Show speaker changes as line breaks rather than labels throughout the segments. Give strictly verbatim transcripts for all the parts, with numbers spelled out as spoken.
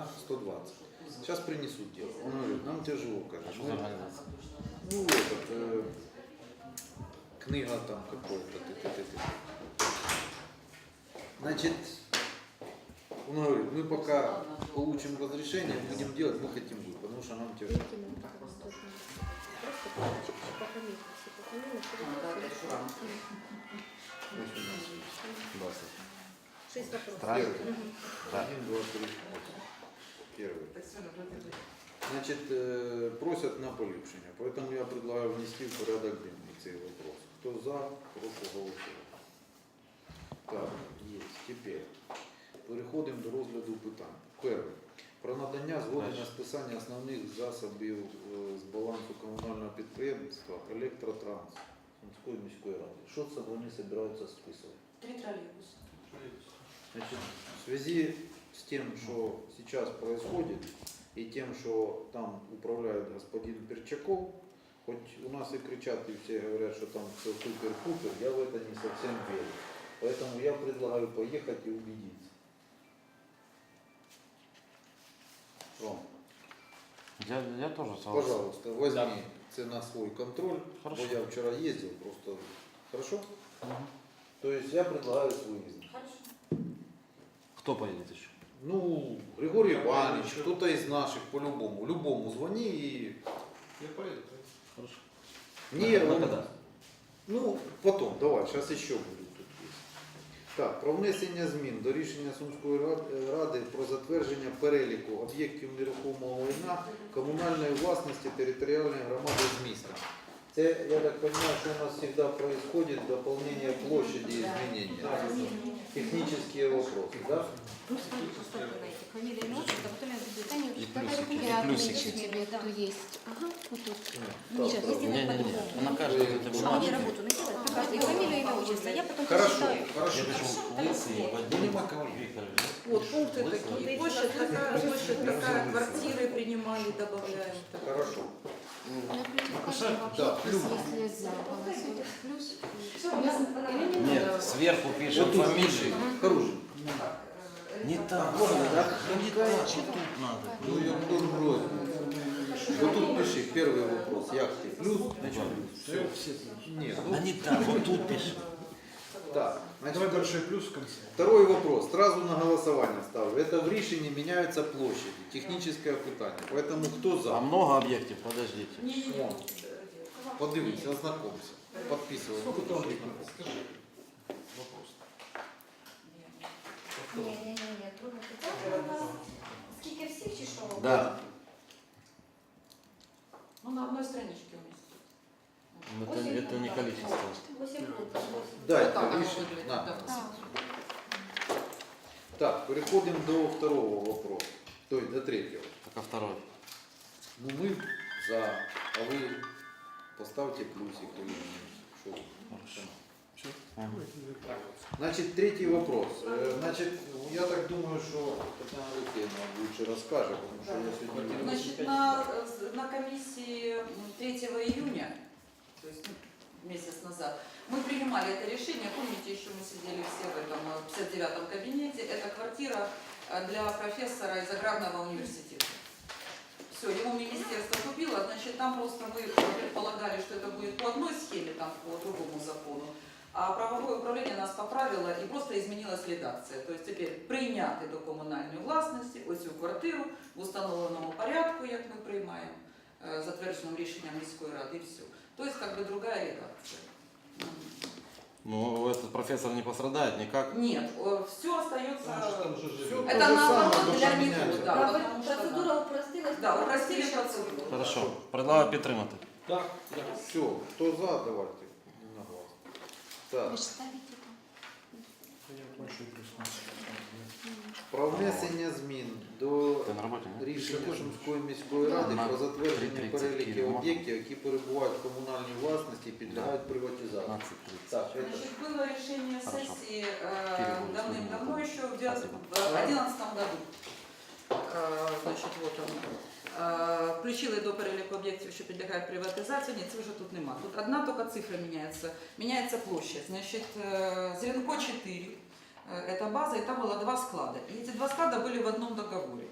сто двадцать. Сейчас принесут дело. Он говорит, нам тяжело,
А
конечно.
что за организация?
Ну, этот, э, книга там какой-то. ты-ты-ты-ты. Значит, он говорит, мы пока получим разрешение, будем делать, мы хотим будет, потому что нам тяжело.
двадцать.
Шесть вопросов.
Первый. Да.
Один, два, три. Первый. Значит, э, просят на поліпшення, поэтому я предлагаю внести в порядок денний цей вопрос. Кто за, прошу голосувати. Так, є. Тепер переходимо до розгляду питань. Перше. Про надання згоди на списання основних засобів е, з балансу комунального підприємства «Електротранс» Сумської міської ради. Що це вони збираються списувати?
Три троллейбуса.
Значит, в связи с тем, что сейчас происходит, и тем, что там управляет господин Перчаков, хоть у нас и кричат, и все говорят, что там все супер-пупер, я в это не совсем верю. Поэтому я предлагаю поехать и убедиться. Ром,
Я, я тоже согласен.
пожалуйста, возьми это на свой контроль.
Хорошо.
Бо я вчера ездил, просто хорошо?
Мгм.
То есть я предлагаю свой выезд.
Хорошо.
Кто поедет еще?
Ну, Григорий Иванович, кто-то из наших по-любому. Любому звони и...
Я поеду.
Хорошо.
Не,
На
он-
когда?
Ну, потом, давай, сейчас еще будуть тут є. Так, про внесення змін до рішення Сумської рад- ради про затвердження переліку об'єктів нерухомого майна комунальної власності територіальної громади з міста. Це, я так понимаю, что у нас всегда происходит дополнение площади и изменения. Технические вопросы, да?
Просто поставьте фамилия, имя, отчество, потом я буду.
И плюсики. И
Я
плюсики.
отмечу тебе, кто есть. Ага, вот тут.
Ну,
Сейчас,
правда.
если
Не,
надо
не, не.
по-другому.
На каждой этой
Что мне
бумажке.
работу наделать? Покажите фамилию, имя, отчество. Я потом
Хорошо,
посчитаю.
хорошо.
Я пишу Лысый Вадим Викторович.
Вот пункты
Лысый
такие.
Вадим.
Площадь такая, площадь такая, квартиры принимали, добавляем.
Хорошо.
Ну, плюс каждый
Да,
вопрос,
плюс.
если за голосует плюс.
Нет, сверху пишем
Вот тут
фамилию.
пиши. Хорошо.
Не так.
Можно, да?
Ну не так, и тут надо.
Ну, я буду брать. Вот тут пиши, первый вопрос. Як ты? Плюс? Значит, плюс. Нет, ну,
Да не так, вот тут пишем.
так.
Давай
Значит,
большой плюс в конце.
второй вопрос. Сразу на голосование ставлю. Это в решении меняются площади. Техническое питание. Поэтому кто
А
за?
много объектов, подождите.
Не-не-не.
Подивись, ознакомься. Подписывай.
Сколько там скажи? Вопрос.
Ні-ні-ні, друге питання у нас. Скільки всіх чи що?
Да.
Ну, на одной страничке уместить.
Это, это не количество.
Восім групп.
Да,
Вот так
это
оно
решение.
выглядит,
На.
да.
Так, переходим до второго вопроса. То есть до третьего.
Пока второй.
Ну мы за, а вы поставьте плюсик или минус. Что вы?
Хорошо.
Ага.
Значит, третий вопрос. Э, Значит, я так думаю, что Татьяна Алексеевна лучше расскажет, потому что я сегодня не
Значит, на, на комиссии третьего июня, то есть ну, месяц назад, мы принимали это решение. Помните, еще мы сидели все в этом э, пятьдесят девятом кабинете. Это квартира э, для профессора из аграрного университета. Все, его министерство купило, значит, там просто мы предполагали, что это будет по одной схеме, там по другому закону. А правовое управление нас поправило и просто изменилась редакция. То есть теперь прийняти до комунальної власності оцю квартиру в установленому порядку, як ми приймаємо, е, затвердженим рішенням міської ради, і все. То есть как бы другая редакция.
Ну, этот профессор не пострадает никак.
Нет, все остается...
Там же
Всё
живет.
то
Это
же
наоборот
самое,
для
но
него,
поменяется.
да.
Да,
потому что,
процедура упростилась.
Да, упростили процедуру.
Хорошо. Предлагаю підтримати.
Да, да.
Все, кто за, давайте. На глаз. Так,
Вы же ставите там.
Я большой плюс.
про внесення змін до
Ти на роботі, не?
рішення Сумської міської ради
На
про затвердження
три тридцять
переліків
кіло можна?
об'єктів, які перебувають в комунальній власності і підлягають приватизації.
пятнадцать тридцать.
Так, это
Значит, было решение
Хорошо.
сессии э,
Перевод
давным-давно,
сегодня.
еще в две тысячи одиннадцатом году. Э, Значить, вот оно. Е, Включили до переліку об'єктів, що підлягають приватизації. Ні, це вже тут нема. Тут одна тільки цифра міняється. Міняється площадь. Значить, е, Зеленко четыре, е, это база, и там было два склада. И эти два склада были в одном договоре.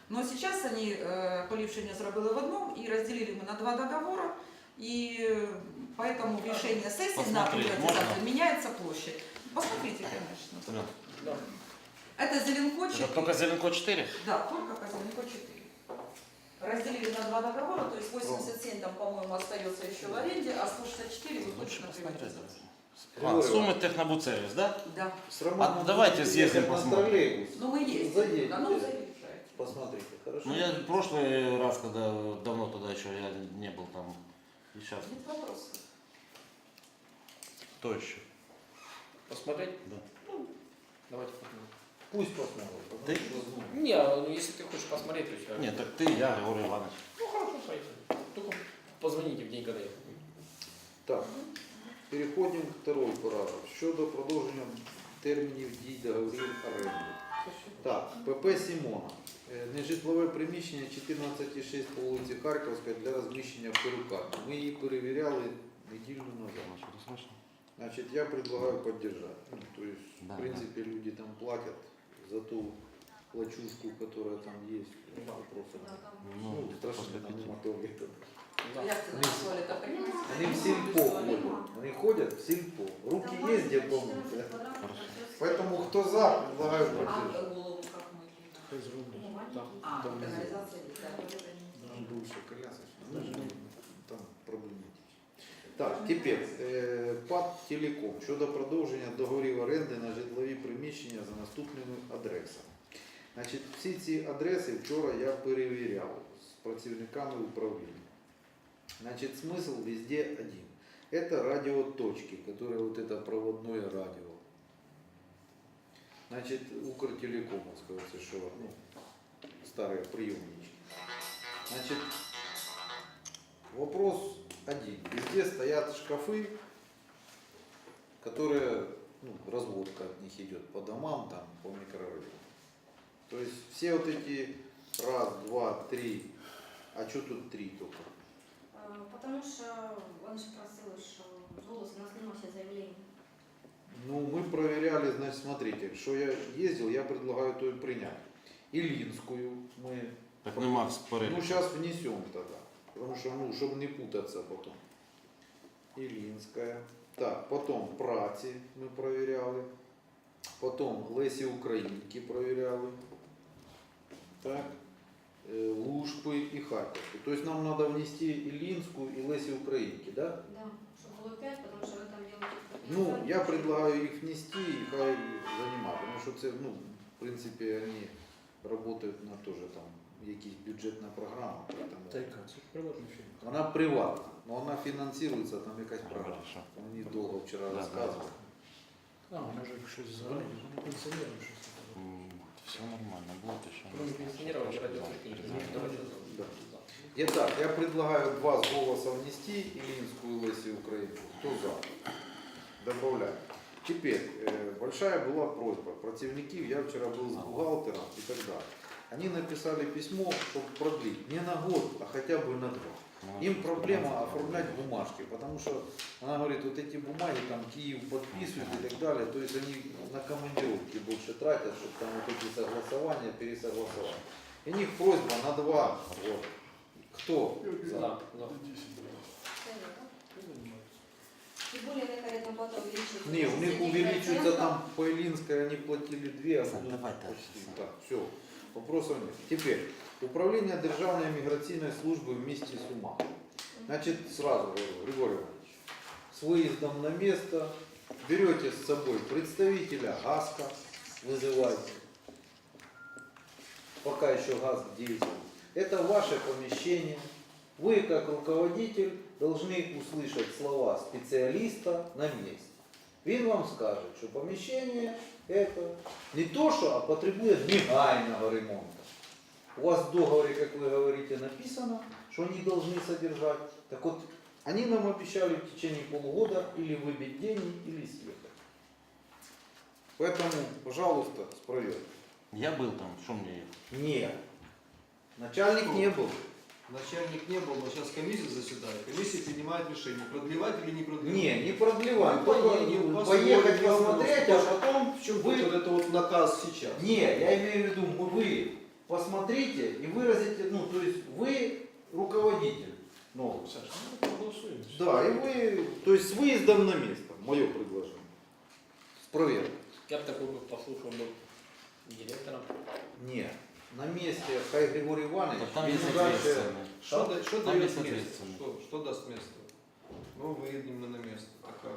Но сейчас они э, поліпшення зробили в одном и разделили мы на два договора. И э, поэтому в решении сессии на
Посмотреть
приватизацию
можно?
меняется площадь. Посмотрите, конечно.
Да.
Да.
Это Зеленко
Это
четыре.
только Зеленко четыре?
Да, только по Зеленко четыре. Разделили на два договора, то есть восемьдесят семь там, по-моему, остается еще в аренде, а сто шестьдесят четыре вот
Лучше
точно
посмотреть.
приватизация.
А, суммы Технобудсервис, да?
Да.
С Романом
А давайте
будете
съездим,
ехать на
посмотрим.
троллейбус.
Ну мы ездим.
Заедете.
Да, ну заезжайте.
Посмотрите, хорошо?
Ну я в прошлый раз, когда давно тогда еще я не был там. И сейчас.
Нет вопросов.
Кто еще?
Посмотреть?
Да.
Ну, давайте посмотрим.
Пусть посмотрят. потому
Да
что, ну,
Не, ну если ты хочешь посмотреть, то все.
Нет, так ты, я, Григорий Иванович.
Ну хорошо, поехали. Только позвоните в день, когда я.
Так, переходимо к второй параграф. Щодо продовження термінів дій договорів оренди. Так, ПП Сімона. Е, Нежитлове приміщення чотирнадцять шість по вулиці Харківська для розміщення в перукарні. Ми її перевіряли неділю назад. Значит, я предлагаю поддержать. Ну, то есть,
Да,
в принципе, люди там платят за ту плачушку, которая там есть.
Да.
Вопросов нет.
Ну,
Ну, страшно
после
там
пяти.
мотори.
Да.
Як це назвали, это понимаете?
Они в сельпо ходят. Они ходят в сельпо. Руки есть где помыть. Поэтому кто за, предлагаю
А
поддержать.
голову как мы?
Из рублей. Да.
А,
Там
канализация, да.
Там бывшая колясочная. Ну, там проблематично. Так, тепер е, ПАТ Телеком щодо продовження договорів оренди на житлові приміщення за наступними адресами. Значить, всі ці адреси вчора я перевіряв з працівниками управління. Значит, смысл везде один. Это радиоточки, которые вот это проводное радио. Значит, Укртелекомовского США, ну, старые приемнички. Значит, вопрос один. Везде стоят шкафы, которые, ну, разводка от них идет по домам, там, по микрорайону. То есть все вот эти раз, два, три, а что тут три только?
Потому що вони ж просили, що з голосу у нас не носять заявлення.
Ну, мы проверяли, значит, смотрите, что я ездил, я предлагаю то и принять. Илинскую мы,
Так нема в
ну,
переліку.
сейчас внесем тогда, потому что, ну, чтобы не путаться потом. Илинская. Так, потом Праці мы проверяли, потом Лесі Українки проверяли, так, э, Лужпы и Харьковскую. То есть нам надо внести Илинскую и Лесі Українки, да?
Да, щоб було п'ять, тому що ви там робите.
Ну, я предлагаю их внести и хай занимать, потому что це, ну, в принципе, они работают на тоже там якісь бюджетна програма, поэтому
Тайка, це приватний фільм.
вона приватна, но вона фінансується, там якась програма.
Хорошо.
Мені довго вчора
Да,
розказували.
А, може щось згадати, ну, пенсіонерам щось.
Все нормально, будет еще.
Кроме пенсионеров, радиоточки. Давайте
Да.
за.
Итак, я предлагаю два с голоса внести Илинскую и Лесі Українку. Кто за? Добавляю. Теперь, э, большая была просьба працівників, я вчера был с бухгалтером и так далее. Они написали письмо, чтобы продлить не на год, а хотя бы на два. Им проблема оформлять бумажки, потому что она говорит, вот эти бумаги там Киев подписывает и так далее, то есть они на командировки больше тратят, чтобы там вот эти согласования, пересогласования. И у них просьба на два года. Кто?
За.
За?
За.
Тем более, как арендная плата увеличивается.
Не, у них увеличивается там по Илинской, они платили две, а
Сань,
будут
давай так.
почти. Так, все, вопросов нет. Теперь, управление Державной миграционной службы вместе с УМА. Значит, сразу говорю, Григорий Иванович, с выездом на место берете с собой представителя ГАСКа, вызывайте, пока еще ГАСК действует. Это ваше помещение. Вы, как руководитель, должны услышать слова специалиста на месте. Він вам скаже, що помещение это не то, что, а потребует негайного ремонта. У вас в договоре, как вы говорите, написано, что они должны содержать. Так вот, они нам обещали в течение полугода или выбить деньги, или съехать. Поэтому, пожалуйста, справедливо.
Я был там, что мне ехать?
Нет. Начальник не был.
Начальник не был, но сейчас комиссия заседает. Комиссия принимает решение, продлевать или не продлевать.
Не, не продлеваем.
Ну,
Только
поедем,
поехать
посмотрим,
посмотреть, а потом
В чем
вы...
будет вот это вот наказ сейчас?
Не, я имею в виду, мы, вы посмотрите и выразите, ну, то есть вы руководитель новый.
Саш, ну проголосуємо.
Да, и вы, то есть с выездом на место, мое предложение. С проверкой.
Я бы такой бы послушал бы директором.
Нет, на месте хай Григорий Иванович.
Так там
без
есть
дальше-
ответственные.
Что, да- что
Там
дает
есть
место?
ответственный.
Что, что даст место? Ну, выедем мы на место. Такая.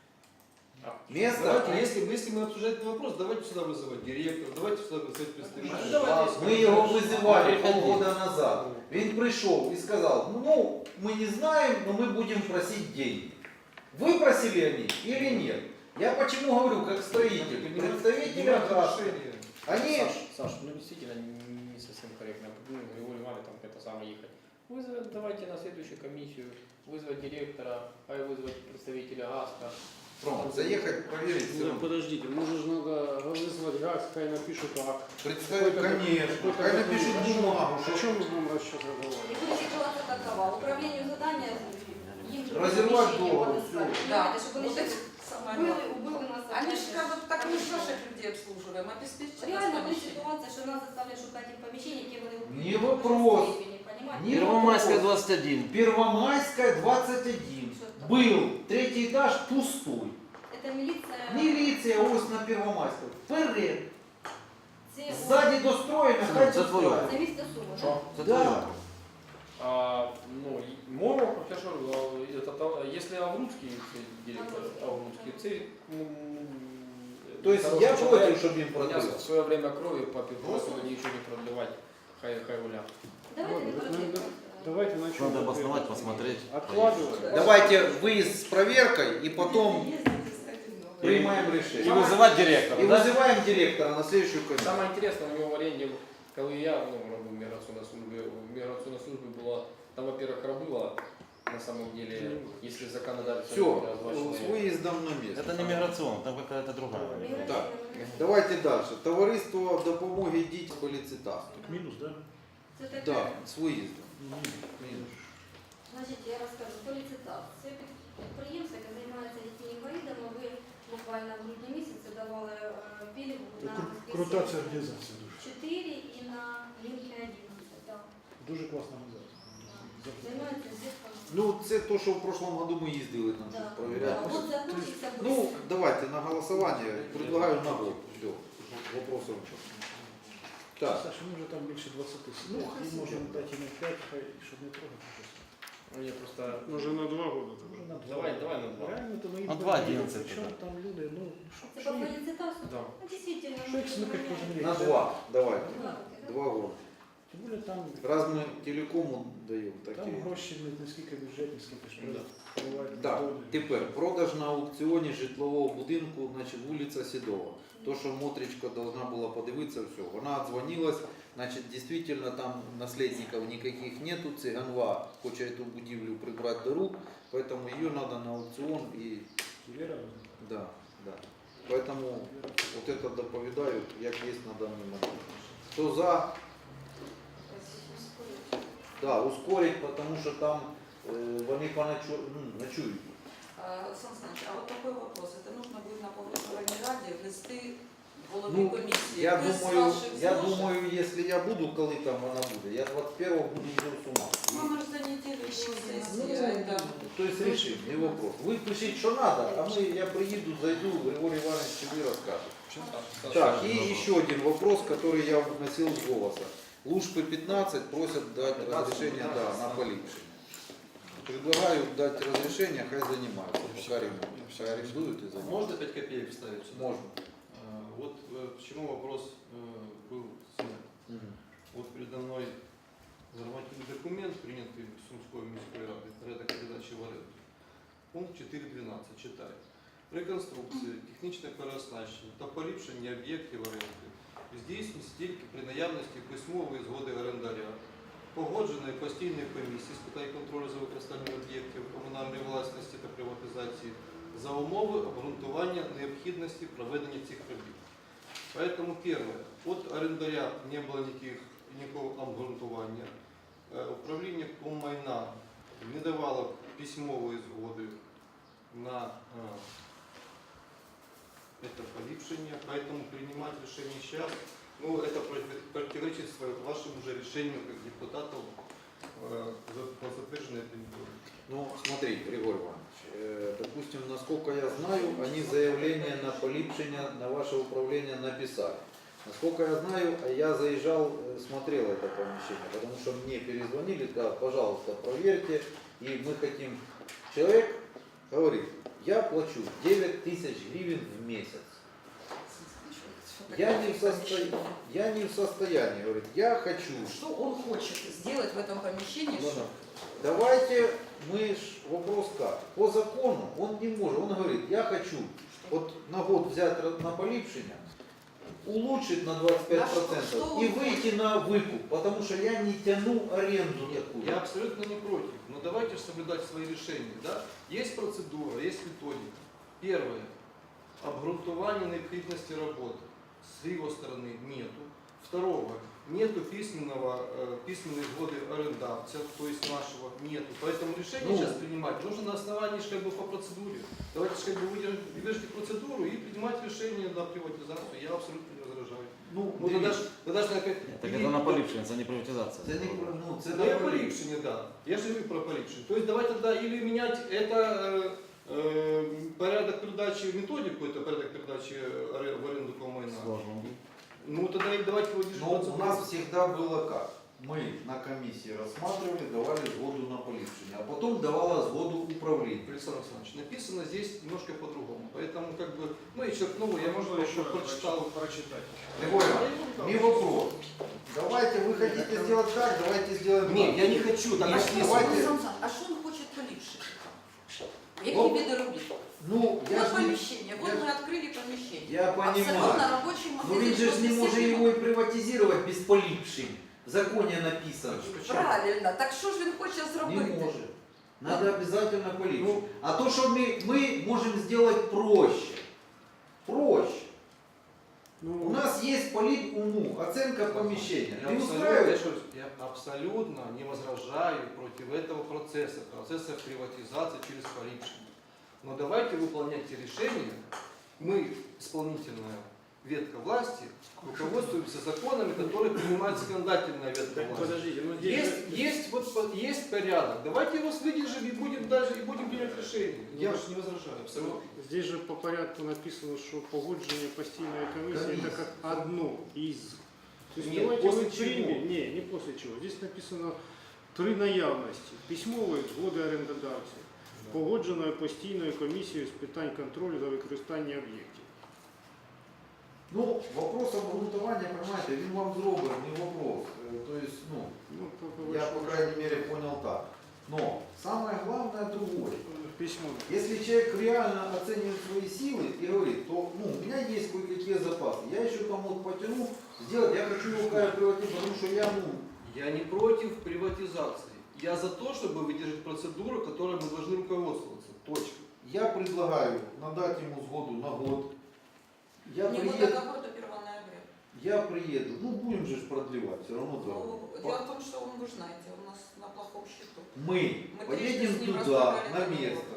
Место.
Давайте, если, если мы обсуждаем этот вопрос, давайте сюда вызывать директора, давайте сюда вызывать представителей.
Ну, давайте.
Мы его вызывали
Приходи.
полгода назад. Он пришел и сказал, ну, мы не знаем, но мы будем просить деньги. Вы просили они или нет? Я почему говорю, как строитель, представители АГАС,
решение.
они...
Саш, Саш, ну действительно не не совсем корректно. Ну, Григорий Иванович там это самое ехать. Вызвать, давайте на следующую комиссию, вызвать директора, а и вызвать представителя ГАСКа.
Ром, заехать, проверить. всё
Ну,
равно.
подождите, може ж надо вызвать ГАЗ, хай напишут акт.
Представить, конечно. Хай напишут бумагу,
О
что
чем мы будем сейчас разговаривать?
И будет ситуация такова. Управлению задания им
Разорвать
помещение
договор,
подыскать.
Да,
Понимаете, чтобы
вот
они
это
сейчас
самое
были,
главное.
убыли нас.
Они же скажут, так мы же наших людей обслуживаем, обеспечить
Реально
нас
буде
помещение.
ситуація, що нас заставляють шукати їм поміщення, які вони
Не вопрос. Не
Первомайская двадцать один.
Первомайская двадцать один. Был третий этаж пустой.
Це міліція.
Милиция ось на Первомайской. Вперед.
Це,
Сзади достроено, хай
Це твоє.
достроено.
це місто Суми.
Що?
Это
Да.
твоё.
А, ну, и мой вопрос, я же говорю, а, это, то- если Аврудский це директор, Аврудский, це, ну,
То есть
хороший
я
человек,
против, чтобы им
у меня
продлил.
в свое время крови попил, просто ничего не продлевать, хай, хай гулят.
Давайте не
Ну,
проти.
Давайте начнем.
Надо обосновать, посмотреть.
Откладывать.
Давайте выезд с проверкой и потом принимаем
И
решение.
вызывать директора,
И
да?
вызываем директора на следующую комиссию.
Самое интересное, у него в аренде, когда я ну, робив миграционной службе, в миграционной службе было, там, во-первых, рабыло, на самом деле, если законодательство
Все,
не два
с
человека.
выездом на место.
Это не миграционно, там какая-то другая.
Так. Давайте дальше. Товариство допомоги дітям по ліцитасту.
Минус, да?
Це таке.
Так, з виїздом.
Минус.
Значить, я розкажу. Поліцитат. Це під- підприємство, яке займається дітьми-інвалідами. Ви буквально в грудні місяці давали е, пільгу на
Крута ця організація дуже.
чотири і на лінки одинадцять. Так.
Дуже класна організація.
Займається дітками.
Ну, це то, що в прошлом году ми їздили там
Да.
щось провіряти.
От захочеться
Ну,
быстро.
давайте на голосование. Предлагаю на год. Все. Вопросов нет. Так.
Саша, ми вже там більше двадцяти
Ну,
сидять.
хай
І
сидять.
можемо дати їм п'ять, хай, щоб не трогати. щось.
Ну, я просто...
Може на два роки. Може на два.
Давай, давай на два.
Реально, то ми їм
На два
поїдемо.
одинадцять
Причому
тоді.
там люди, ну, що,
Це
що
по
їм?
поліцитасу?
Да.
Ну, дійсно.
Що їх смикати кожен рік?
На два. Давайте.
Два роки, да?
Два года.
Тим більше там,
Раз мы телекому даємо
там
такі.
гроші не, не скільки бюджетні, скільки ж
Да.
бувають
Так,
доходи.
тепер продаж на аукціоні житлового будинку, значить вулиця Сідова. То, що Мотричка должна була подивитися, все. Вона дзвонилась, значить, дійсно там наслідників ніяких нету. Циганва хоче цю будівлю прибрати до рук, поэтому її треба на аукціон і...
Віра,
Да, да. Поэтому вот это доповідаю, як є на даний момент. Хто за? Да, ускорить, потому что там э, вони поночу... ну, ночують.
А, Сан Саныч, а вот такой вопрос. Это нужно будет на погоджувальній раді внести голові
Ну,
комісії.
Я
без
думаю,
ваших
я
зложень.
думаю, если я буду, коли там вона буде, я двадцать первого буду вже з ума.
Ну, мы же за неделю до
Ну,
сессии, а это...
то есть решить, не вопрос. Ви пишіть, що надо, а ми, я приїду, зайду, Григорий Иванович тебе расскажет. Так, и еще один вопрос, который я вносил с голоса. Лужпы пятнадцать просят дать разрешение да, на полипшение. Предлагаю дать разрешение, хай занимаются, пока ремонт. Пускай арендуют и занимаются.
Можно пять копеек вставить сюда?
Можно.
А, Вот э, почему вопрос э, был снят.
Мгм.
Вот передо мной нормативный документ, принятый Сумской міської ради, порядок передачі в оренду. Пункт чотири дванадцять читаю. Реконструкція, технічне переоснащення та поліпшення об'єктів оренди здійснюється тільки при наявності письмової згоди орендаря, погодженої постійної комісії з питань контролю за використанням об'єктів комунальної власності та приватизації за умови обґрунтування необхідності проведення цих робіт. Поэтому первое, от орендаря не было никаких, никакого обґрунтування. Э, Управління Коммайна не давало письмової згоди на э, это поліпшення, поэтому принимать решение сейчас Ну, это против- противоречит своему- вашему же решению как депутатов э, за- по затверженной этой методике.
Ну, смотри, Григорий Иванович, э, допустим, насколько я знаю, они заявление на поліпшення на ваше управление написали. Насколько я знаю, я заезжал, э, смотрел это помещение, потому что мне перезвонили, сказали, пожалуйста, проверьте, и мы хотим. Человек говорит, я плачу девять тысяч гривен в месяц. Я не в состоянии, я не в состоянии, говорит, я хочу.
Что он хочет сделать в этом помещении?
Ну, да. Давайте мы ж вопрос как. По закону он не может. Он говорит, я хочу вот на год взять на поліпшення, улучшить на двадцать пять
На что-
процентов
что он
и выйти на выкуп, потому что я не тяну аренду такую.
Я абсолютно не против, но давайте же соблюдать свои решения. Да? Есть процедура, есть методика. Первое. Обґрунтування необходимости работы. С его стороны нету. Второго. Нету письменного, э, письменной сгоды арендатора, то есть нашего нету. Поэтому решение
Ну.
сейчас принимать нужно на основании ж как бы по процедуре. Давайте ж как бы выдержите, выдержите процедуру и принимать решение на приватизацию. Я абсолютно не возражаю.
Ну,
Ну, тогда ж, тогда ж на как...
Так это на поліпшення, це не приватизація.
Це не про- ну, це
Ну, я
не
поліпшення, да. Я ж говорю про поліпшення. То есть давайте тогда или менять это э, э, порядок передачи, методику, это порядок передачи аре- в аренду коммайна.
Сложно.
Ну тогда и давайте его держать.
Но у нас всегда было как? Мы на комиссии рассматривали, давали сгоду на поліпшення, а потом давала сгоду управление.
Александр Александрович, написано здесь немножко по-другому. Поэтому как бы, ну и черкнул, я, может, еще прочитал.
прочитать.
Григорий Иванович, не вопрос. Давайте, вы хотите сделать так, давайте сделаем
Нет,
так.
я не хочу. Так,
А
Нет,
что,
давайте-
Сан Саныч, а что он хочет поліпшити? Які
Вот.
види робіт?
Ну, я
Вот
ж не...
помещение, вот
я
мы
ж-
открыли помещение.
Я
Абсолютно
понимаю.
рабочий
Но
магазин.
ведь же ж
вот
не
все
может
время-
его и приватизировать без поліпшень. В законе написано.
Правильно, так що ж він хоче
Не
зробити?
может. Надо обязательно поліпшень.
Ну,
А то, что мы, мы можем сделать проще. Проще.
Ну,
У нас есть полит уму, оценка помещения.
Я
Не
абсолютно, я
устраивает?
еще раз, я абсолютно не возражаю против этого процесса, процесса приватизации через полипшение. Но давайте выполнять те решения. Мы, исполнительная ветка власти, руководствуемся законами, которые принимает законодательная ветка
так
власти.
подождите, ну здесь
Есть,
же-
есть, вот, по- есть порядок. Давайте его выдержим и будем даже и будем принять решение. Я же не возражаю, абсолютно.
Здесь же по порядку написано, что погоджение постійної комісії
Комиссия.
это как одно из. То есть
Нет,
давайте
после
мы
чего?
примем, не, не после чего. Здесь написано три наявності. Письмової згоди орендодавця, погодженою постійною комісією з питань контролю за використання об'єктів.
Ну, вопрос обґрунтування, понимаете, він вам зробив, не вопрос. Э, То есть, ну,
Ну, по- по
я, по
большому
крайней мере, понял так. Но самое главное другое.
счету, письмо.
Если человек реально оценивает свои силы и говорит, то ну, у меня есть кое-какие запасы, я еще там вот потяну, сделать, я хочу его приватизировать, потому что я, ну,
Я не против приватизации. Я за то, чтобы выдержать процедуру, которой мы должны руководствоваться. Точка.
я предлагаю надать ему сгоду на год. Я
Не вот
приеду,
до какого-то первого ноября.
я приеду, ну будем же ж продлевать, все равно дорого.
Ну, дело в том, что он, вы же знаете, у нас на плохом счету.
Мы
Мы
поедем
трижды с ним
туда,
разговаривали
на
на него.
место.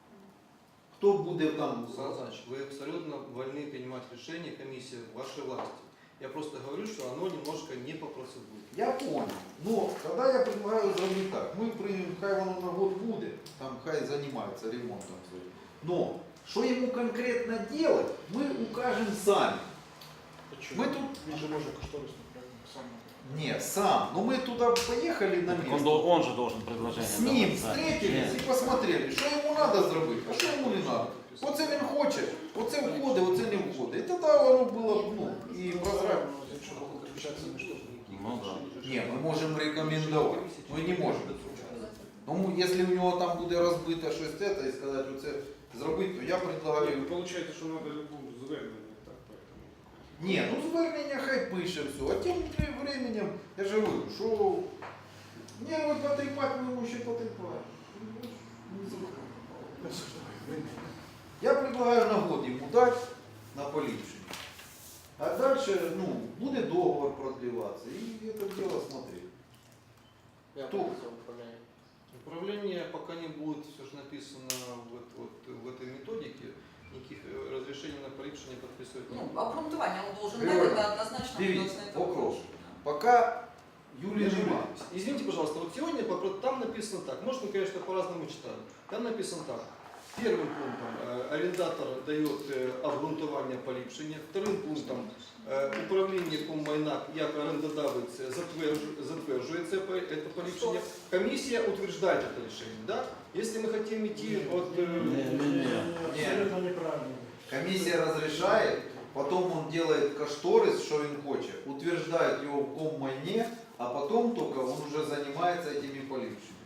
Кто будет там?
Сан Саныч, вы абсолютно вольны принимать решения комиссии вашей власти. Я просто говорю, что оно немножко не по процедуре.
Я понял. Но тогда я предлагаю зробити так. Ми приймемо, хай воно на год буде, там хай займається ремонтом своїм. Но що йому конкретно делать, ми укажемо самі.
Почему?
Мы тут...
Він же може кошторисну проект сам.
Не, сам. Но мы туда поехали на
Так Он,
место.
дол- он же должен предложение
С ним
давать, да.
встретились
Нет.
і посмотрели, що йому треба зробити, а що йому не треба. Оце він хоче, оце входить, оце не входить. І тоді воно було, ну, і прозрачно.
Ну да.
Ні, ми можемо рекомендувати. Ми не можемо. Ну, якщо у нього там буде розбито щось це, і сказати, оце зробити, то я предлагаю.
Получается, что надо любому звернення, так, поэтому.
Ні, ну звернення хай пише все. А тим временем, я ж говорю, що ні, ви потріпати, ми йому ще потріпаємо. Я предлагаю на год йому дати на поліпшення. А дальше, ну, буде договор продлеваться, и это дело смотреть. Кто?
Управление пока не будет, все же написано вот, вот, в этой методике, никаких э, разрешений рішення на поліпшення підписують.
Ну, обґрунтування он должен
Григорий,
дать, это однозначно
Дивіться,
должен это
вопрос.
выложить.
Пока Юлии
Юрий,
нема.
извините, пожалуйста, вот сегодня по- там написано так, может, мы, конечно, по-разному читаем. Там написано так. Первым пунктом э, арендатор дает э, обґрунтування поліпшення, вторым пунктом э, управління коммайна як орендодавець затверджу- затверджує це, по- это поліпшення. Комиссия утверждает это решение. Да? Если мы хотим идти от... э,
Абсолютно неправильно.
Комиссия разрешает, потом он делает кошторис, что он хочет, утверждает его в коммайне, а потом только он уже занимается этими полипшими.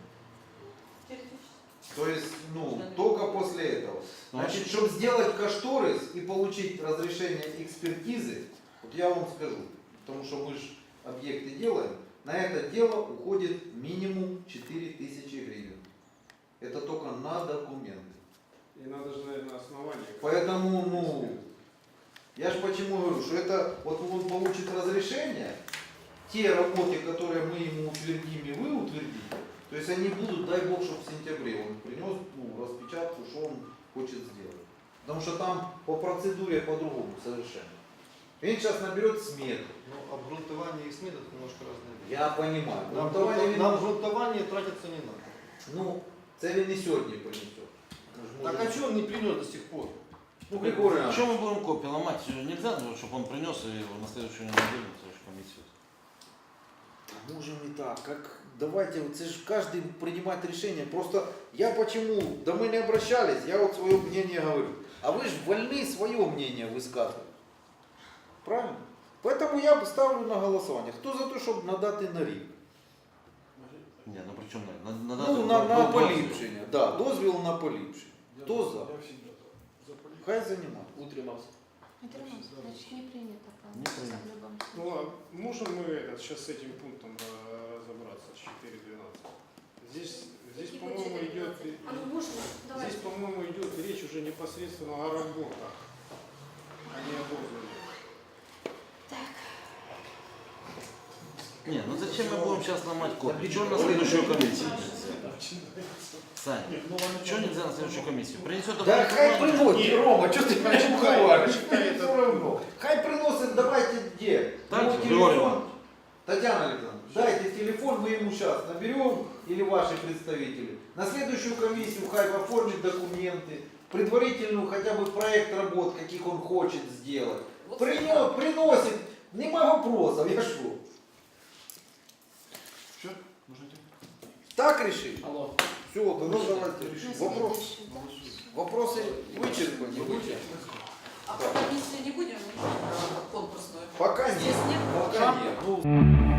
То есть, ну, только после этого. Значит, чтобы сделать кошторис и получить разрешение экспертизы, вот я вам скажу, потому что мы же объекты делаем, на это дело уходит минимум четыре тысячи гривен. Это только на документы.
И надо же, наверное, основание.
Поэтому, ну, я же почему говорю, что это, вот он получит разрешение, те работы, которые мы ему утвердим и вы утвердите, то есть они будут, дай бог, чтобы в сентябре он принес, ну, распечатку, что он хочет сделать. Потому что там по процедуре по-другому совершенно. Он сейчас наберет смету.
Ну, обґрунтування и СМИ это немножко разные вещи.
Я понимаю.
На
Грунтование він-
обґрунтування- на обґрунтування тратиться не надо.
Ну, це він і сьогодні принесет. Ми ж
Так
можемо-
а что он не принес до сих пор?
Ну, Григорий Иванович,
Что мы будем копии ломать? Нельзя, чтобы он принес и на следующую неделю на следующую комиссию.
можем не так, как давайте, вот это же каждый принимает решение. Просто я почему, да мы не обращались, я вот свое мнение говорю. А вы же вольны свое мнение высказывать. Правильно? Поэтому я бы ставлю на голосование. Кто за то, чтобы надати на рік?
Не, ну при чем на, на, на,
Ну, на, на поліпшення. Да, дозвіл на поліпшення. Хто за? Хай займає.
Утримався.
Значит, не принято.
Не принято.
В любом случае.
Ну ладно, можем мы этот, сейчас с этим пунктом э, разобраться, с четыре двенадцать. Здесь, здесь
Какие
по-моему,
будет
идет,
четыре двенадцать? А ну можно? Давайте.
здесь, по-моему, идет речь уже непосредственно о работах, а не об отзыве.
Не, ну зачем мы будем сейчас ломать копии? Что на следующую комиссию? Саня, что нельзя на следующую комиссию? Принесет
Да хай приносит,
Ні.
Рома, что ты меня
Почекай,
уговариваешь?
почекай,
Все
это-
равно. Хай приносит, давайте где?
Так,
Его
Григорий
телефон.
Иванович.
Татьяна Александровна, дайте телефон, мы ему сейчас наберем, или ваши представители. На следующую комиссию хай оформит документы, предварительную хотя бы проект работ, каких он хочет сделать.
Вот
Принес, приносит, нема вопросов, я шо?
Все? Можно идти?
Так решили?
Алло.
Все, тогда давайте
На
решим. Вопрос,
следующий, да.
вопросы вычерпаны.
Будете?
А по комиссии не будем конкурсную?
Пока нет.
Здесь нет?
Пока нет. Ну,